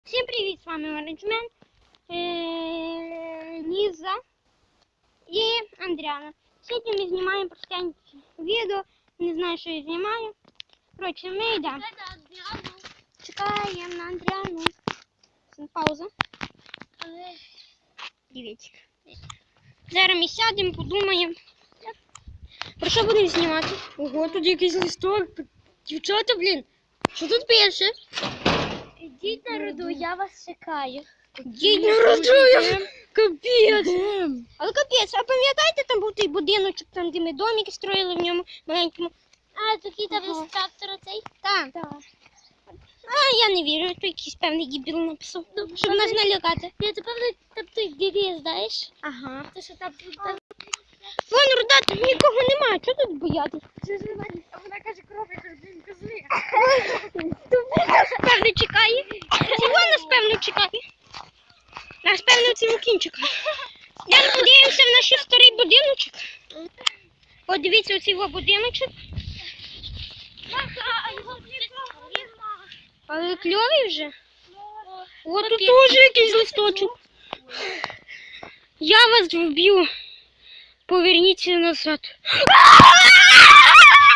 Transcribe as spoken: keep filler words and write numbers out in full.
Всім привіт, з вами менеджмент, Ліза і Андріана. Сьогодні ми знімаємо простеньке відео, не знаю, що я знімаю. Коротше, ми йдемо. Чекаємо на Андріану. Пауза. Дивіться. Зараз ми сядемо, подумаємо. Про що будемо знімати? Ого, тут якийсь листок. Дівчата, блін, що тут пише? Діть народу, я вас чекаю. Діть народу, капець. Але капець, а пам'ятаєте, там був той будиночок, там де ми домики строїли в ньому маленькому? А, такий там Ага. інструктор оцей? Так. Так. А я не вірю, то якийсь певний дебіл написав, щоб нас налякати. Ні, це певно, там той діді, знаєш? Ага. Те, що там... там... Вон, Руда, тут нікого немає, чого тут боятись? А вона каже, кров, я кажу, блін, козли. Нас, певно, чекає. Цього нас, певно, чекає. Нас, певно, цього кінь чекає. Йдемо подивимося в наш старий будиночок. Подивіться оцей його будиночок. А його Але кльовий вже. О, тут теж якийсь листочок. Я вас вб'ю. Поверніться назад.